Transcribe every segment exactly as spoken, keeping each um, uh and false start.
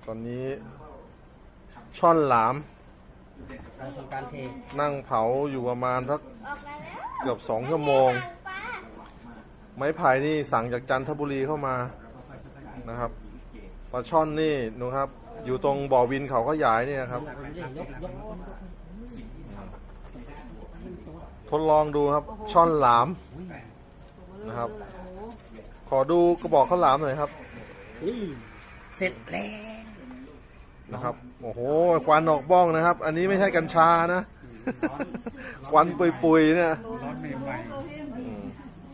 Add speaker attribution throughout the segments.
Speaker 1: ตอนนี้ช่อนหลาม
Speaker 2: การทำการเท
Speaker 1: นั่งเผาอยู่ประมาณสักเกือบสองชั่วโมง ไม้ไผ่นี่สั่งจากจันทบุรีเข้ามานะครับปลาช่อนนี่หนูครับ อยู่ตรงบ่อวินเขาก็ยายเนี่ยครับ ทดลองดูครับช่อนหลามนะครับ ขอดูกระบอกข้าวหลามหน่อยครับ
Speaker 2: เสร็จแล้ว
Speaker 1: นะครับโอ้โหควันออกบ้องนะครับ อันนี้ไม่ใช่กัญชานะ ควันปุยๆเนี่ยอืม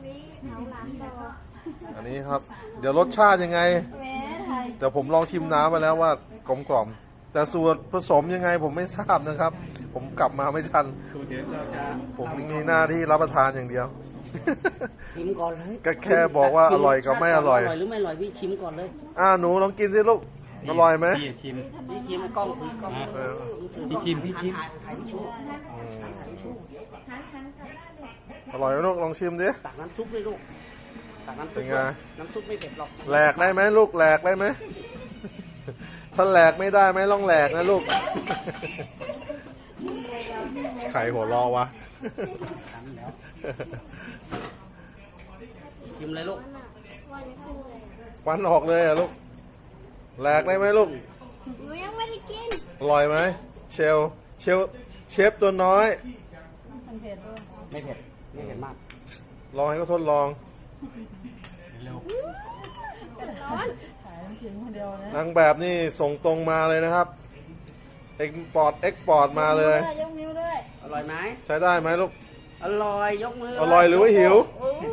Speaker 1: อันนี้ครับ เดี๋ยวรสชาติยังไงเดี๋ยวผมลองชิมน้ำมาแล้วว่ากลมกล่อมแต่ส่วนผสมยังไงผมไม่ทราบนะครับ ผมกลับมาไม่ทันผมมีหน้าที่รับประทานอย่างเดียว
Speaker 2: ชิมก่อนเลย
Speaker 1: ก็แค่บอกว่าอร่อยกับไม่อร่อย
Speaker 2: อร่อยหรือไม่อร่อยพี่ชิมก่อนเลย
Speaker 1: อ่าหนูลองกินสิลูกอร่อยไหม
Speaker 3: พี่ชิม
Speaker 2: พี่ชิมกล้องถือกล้อง
Speaker 1: เออ
Speaker 3: พี่ชิมพี่ชิม
Speaker 2: ถ่ายถ่ายพี่ชู
Speaker 1: อร่อยไหมลูกลองชิมดิ
Speaker 2: ตักน้ำซุปเลยลูกตักน้ำซุ
Speaker 1: เป็
Speaker 2: ป
Speaker 1: นไง
Speaker 2: น้ำซุปไม่เผ็ดหรอก
Speaker 1: แหลกได้ไหมลูกแหลกได้ไหม ถ้าแหลกไม่ได้ไม่ต้องแหลกนะลูก ใครหัวเรอวะ
Speaker 2: ชิมเลยลูก
Speaker 1: ควันออกเลยอะลูกแหลกได้ไหมลูก
Speaker 4: หนูยังไม่ได้กิน
Speaker 1: อร่อยไหมเชลเชลเชฟตัวน้อย
Speaker 2: ไม่เผ็ดไม่เผ็ดมาก
Speaker 1: ลองให้เขาทดลองนางแบบนี่ส่งตรงมาเลยนะครับเอ็กพอร์ตเอ็กพอร์ตมาเลย
Speaker 4: ยกนิ้วด้วย
Speaker 2: อร่อยไหม
Speaker 1: ใช้ได้ไหมลูก
Speaker 2: อร่อยยกมือ
Speaker 1: อร่อยหรือว่าหิว
Speaker 4: โอ้โห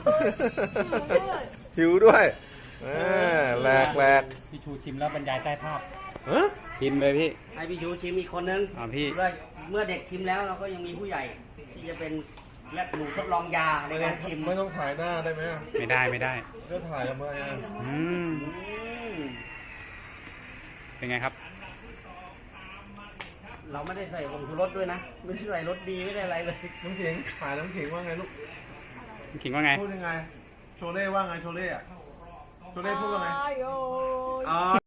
Speaker 1: หิวด้วยแหมแหลกแหลก
Speaker 3: พี่ชูชิมแล้วบรรยายใต้ภาพ
Speaker 1: ฮะ
Speaker 3: ชิมเลยพี่
Speaker 2: ให้พี่ชูชิมอีกคนนึง
Speaker 3: อ่าพี่
Speaker 2: เมื่อเมื่อเด็กชิมแล้วเราก็ยังมีผู้ใหญ่ ที่จะเป็นและหนูทดลองยาในการชิม
Speaker 1: ไม่ต้องถ่ายหน้าได้ไหม
Speaker 3: ไม่ได้ไม่ได้
Speaker 1: ก็ถ่ายทำไมอ่ะ
Speaker 3: อืม
Speaker 2: อืม
Speaker 3: เป็นไงครับ
Speaker 2: เราไม่ได้ใส่ผงชูรสด้วยนะ ไม่ได้ใส่รสดีไม่ได้อะไรเลย
Speaker 1: น้ำขิงถ่ายน้ำขิงว่าไงลูก
Speaker 3: ขิงว่าไง
Speaker 1: พูดยังไง โชเล่ว่าไงโชเล่อะโชเล่พูดว่าไง
Speaker 4: โย
Speaker 2: อ๋อ